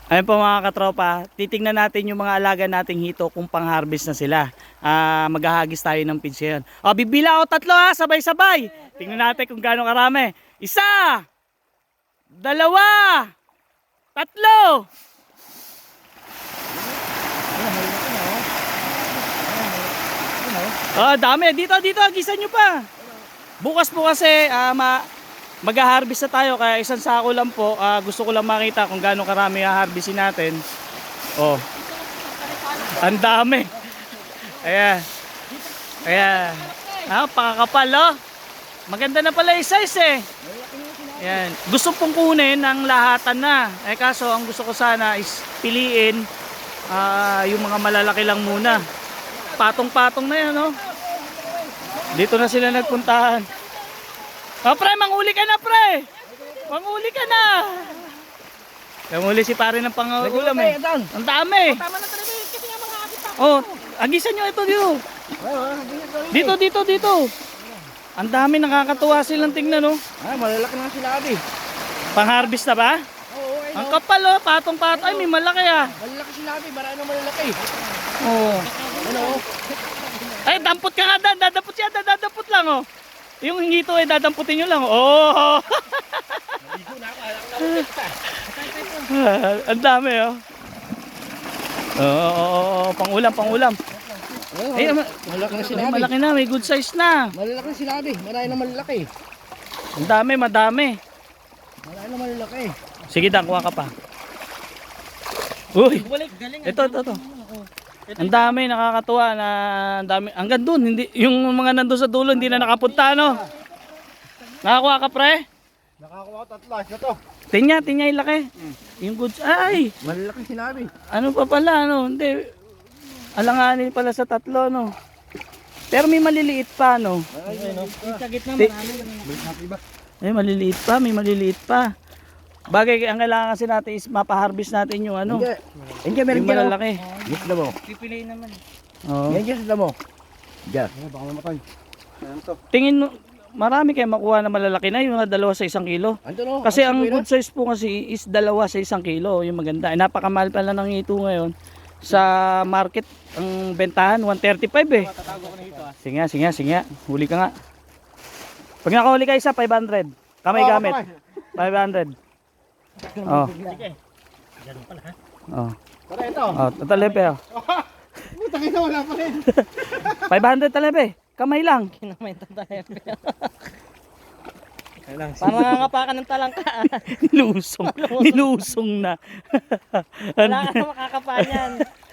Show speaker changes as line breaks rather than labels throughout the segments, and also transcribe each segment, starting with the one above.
Ayun po mga katropa, titingnan natin yung mga alaga nating hito kung pang-harvest na sila. Maghahagis tayo ng pids ngayon. O, bibila ako tatlo ha, sabay-sabay. Tingnan natin kung gaano karami. Isa! Dalawa! Tatlo! Dami. Dito, agisan nyo pa. Bukas po kasi mag-harvest na tayo, kaya isang sako lang po. Gusto ko lang makita kung gaano karami i-harvestin natin. Oh. Ang dami. Ayan. Ayan. Pakakapal oh. Maganda na pala yung size eh. Ayan. Gusto pong kunin ang lahatan na. Kaso ang gusto ko sana is piliin yung mga malalaki lang muna. Patong-patong na yan oh. Dito na sila nagpuntahan. Pre, manghuli ka na, pre. Manghuli ka na. Manghuli si pare ng pangulam eh. Ang dami.
Tama na talaga kasi nga mga agit ako.
Agisan nyo ito dito. Dito. Ang dami, nakakatuwa silang tingnan, no?
Malalaki na sila, abi.
Pang-harvest na ba?
Oo,
Ang kapal, oh. Patong-patong. Ay, may malaki,
Malalaki sila, abi. Marami na malalaki.
Ano? Ay, dampot ka nga, Dan. Dadapot siya, dadapot lang, oh. Yung hingito ay dadamputin nyo lang. Oh!
Naligo na ako.
Ang dami oh. Pangulam. Ay,
malaki na sila, abi.
malaki na, may good size na.
Malalaki na sila, abi. Marami na malalaki.
Ang dami, madami.
Marami na malalaki.
Sige, Dan, kuha ka pa. Uy! Ito. Ang dami, nakakatuwa na ang dami. Hanggang doon, hindi yung mga nandoon sa dulo hindi na nakapunta, no. Nakakuha ka, pre?
Nakakuha ko tatlas na to.
Tingnan yung laki. Yung goods. Ay!
Malalaki sila, abi.
Ano pa pala, no? Hindi. Alanganin pala sa tatlo, no. Pero may maliliit pa, no.
Sa gitna marami.
May maliliit pa. Bagay, ang kailangan kasi natin is mapaharvest natin yung ano.
Hindi, meron
Yung
dyan.
malalaki.
Yes na mo.
Pipiliin naman.
Oo.
Yan dyan sa mo. Diyan. Baka mamatay.
Tingin mo, marami kayo makuha na malalaki na, yung mga 2 sa 1 kilo.
Anto no?
Kasi ang good size po kasi is 2 sa 1 kilo, yung maganda. Napakamahal pala ng ito ngayon. Sa market, ang bentahan, 135 eh. Sige nga. Huli ka nga. Pag nakahuli ka isa, 500. Kamay gamit. 500. Oh.
Sige. Ganun pala ha.
Oh.
Para ito.
Tatalepe oh.
Putang ina, wala pa rin.
500 talepe. Kamay lang.
Kinamaitan tayo. Parang nangangapakan ng talangka.
Nilusong na.
Wala ka na makakapanyan.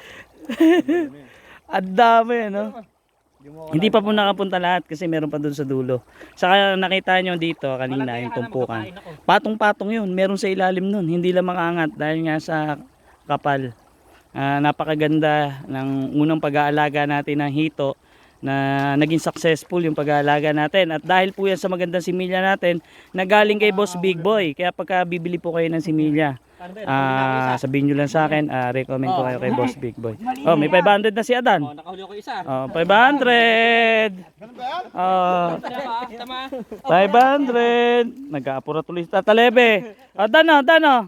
Ang dami, no? Hindi pa po nakapunta lahat kasi meron pa doon sa dulo. Saka nakita nyo dito kanina yung tumpukan. Patong-patong yun. Meron sa ilalim nun. Hindi lang makaangat dahil nga sa kapal. Napakaganda ng unang pag-aalaga natin ng hito na naging successful yung pag-aalaga natin. At dahil po yan sa magandang similya natin na galing kay Boss Big Boy. Kaya pagka bibili po kayo ng similya, sabihin nyo lang sa akin, recommend ko kayo kay Boss Big Boy. May 500 na si Adan.
Nakahuli ko isa.
500.
Tama.
500. Nag-aapura tuloy sa Tatalebe. Dano.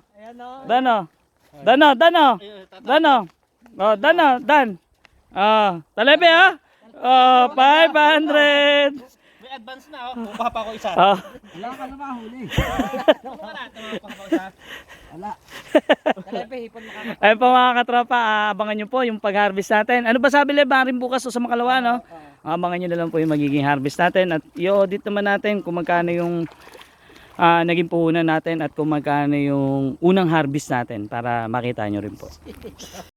Dan. Talebe 500.
May advance na oh. Kukuha pa ako isa.
Wala ka na mahuli.
Kukuha na. Tumawa pa ako isa.
Wala.
Talape, hipon makaka.
Ayun po mga katropa, abangan nyo po yung pag-harvest natin. Ano ba sabi Lebarin bukas o sa Makalawa, no? Abangan nyo na lang po yung magiging harvest natin. At i-audit naman natin kung magkano yung naging puhunan natin at kung magkano yung unang harvest natin para makita nyo rin po.